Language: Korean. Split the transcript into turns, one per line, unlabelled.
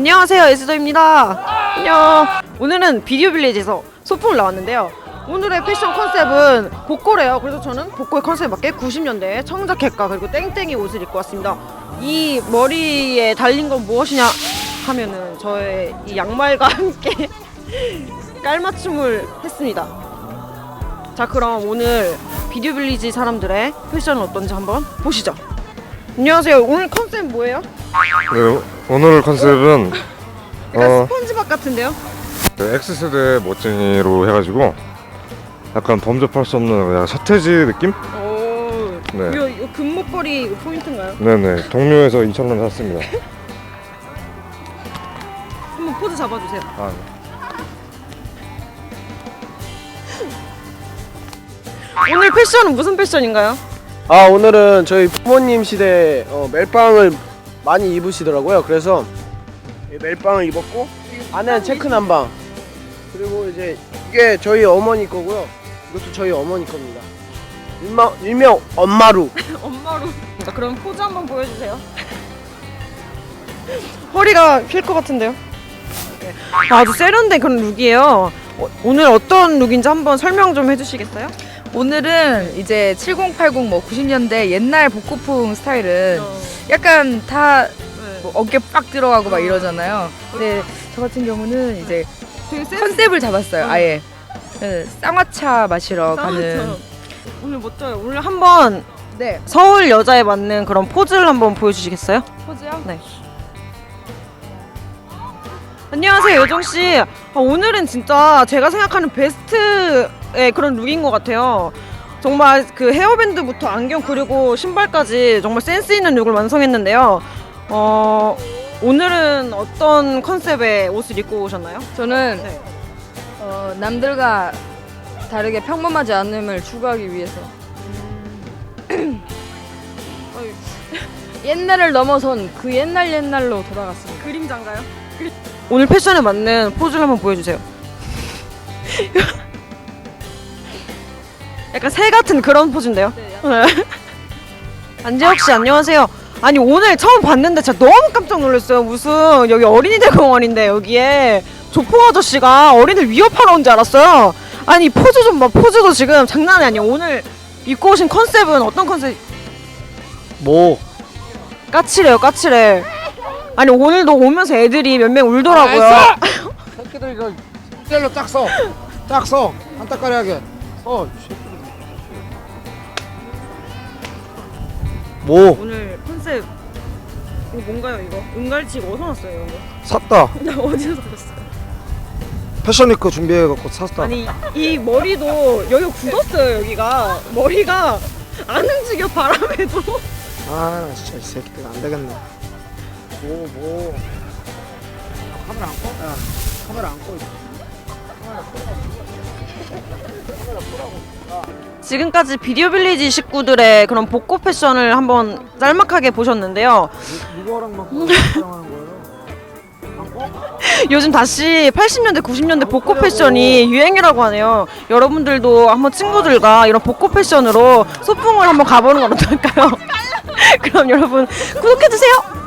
안녕하세요, 에스더입니다. 안녕. 오늘은 비디오 빌리지에서 소풍을 나왔는데요. 오늘의 패션 컨셉은 복고래요. 그래서 저는 복고의 컨셉에 맞게 90년대 청자켓과 그리고 땡땡이 옷을 입고 왔습니다. 이 머리에 달린 건 무엇이냐 하면은 저의 이 양말과 함께 깔맞춤을 했습니다. 자, 그럼 오늘 비디오 빌리지 사람들의 패션은 어떤지 한번 보시죠. 안녕하세요. 오늘 컨셉 뭐예요?
네, 오늘 컨셉은
약간 스펀지밥 같은데요?
X세대 멋쟁이로 해가지고 약간 범접할 수 없는 약간 서태지 느낌?
오,
네.
이 금목걸이 이거 포인트인가요?
네네, 동묘에서 2,000원 샀습니다.
한번 포즈 잡아주세요.
아, 네.
오늘 패션은 무슨 패션인가요?
아, 오늘은 저희 부모님 시대 멜빵을 많이 입으시더라고요. 그래서 이 멜빵을 입었고 안에는 체크 남방, 그리고 이제 이게 저희 어머니 거고요. 이것도 저희 어머니 겁니다. 일명 엄마루.
엄마로. 자, 그럼 포즈 한번 보여주세요. 허리가 휠 것 같은데요? 아주 세련된 그런 룩이에요. 오늘 어떤 룩인지 한번 설명 좀 해주시겠어요?
오늘은 이제 7080 뭐 90년대 옛날 복고풍 스타일은 약간 다 뭐 어깨 빡 들어가고 막 이러잖아요. 근데 저 같은 경우는 이제
되게 센스
컨셉을 잡았어요. 아예 네, 쌍화차 마시러 가는.
오늘 멋져요. 오늘 한번
네,
서울 여자에 맞는 그런 포즈를 한번 보여주시겠어요?
포즈요?
네. 안녕하세요, 여정씨. 오늘은 진짜 제가 생각하는 베스트의 그런 룩인 것 같아요. 정말 그 헤어밴드부터 안경 그리고 신발까지 정말 센스 있는 룩을 완성했는데요. 오늘은 어떤 컨셉의 옷을 입고 오셨나요?
저는
네.
남들과 다르게 평범하지 않음을 추구하기 위해서 옛날을 넘어선 그 옛날로 돌아갔습니다.
그림자인가요? 오늘 패션에 맞는 포즈를 한번 보여주세요. 약간 새 같은 그런 포즈인데요. 안재혁 씨, 안녕하세요. 아니, 오늘 처음 봤는데 진짜 너무 깜짝 놀랐어요. 무슨 여기 어린이들 공원인데 여기에 조폭 아저씨가 어린이들 위협하러 온 줄 알았어요. 아니, 포즈 좀 봐. 포즈도 지금 장난이 아니에요. 오늘 입고 오신 컨셉은 어떤 컨셉?
뭐?
까칠해요, 까칠해. 아니, 오늘도 오면서 애들이 몇 명 울더라고요.
새끼들 이거 젤로 딱 써. 딱 써. 안따까리하게.
뭐?
오늘 컨셉 이거 뭔가요, 이거? 은갈치 이거 어디서 났어요, 이거?
샀다.
나 어디서 샀어요?
패션위크 준비해갖고 샀다.
아니, 이 머리도 여기가 굳었어요. 여기가 머리가 안 움직여, 바람에도.
아, 진짜 이 새끼들 안 되겠네. 뭐. 카메라 안 꺼? 야, 카메라 안 꺼.
지금까지 비디오 빌리지 식구들의 그런 복고 패션을 한번 짤막하게 보셨는데요.
누구랑만 촬영하는 거예요?
요즘 다시 80년대, 90년대 복고 패션이 유행이라고 하네요. 여러분들도 한번 친구들과 이런 복고 패션으로 소풍을 한번 가보는 건 어떨까요? 그럼 여러분 구독해주세요.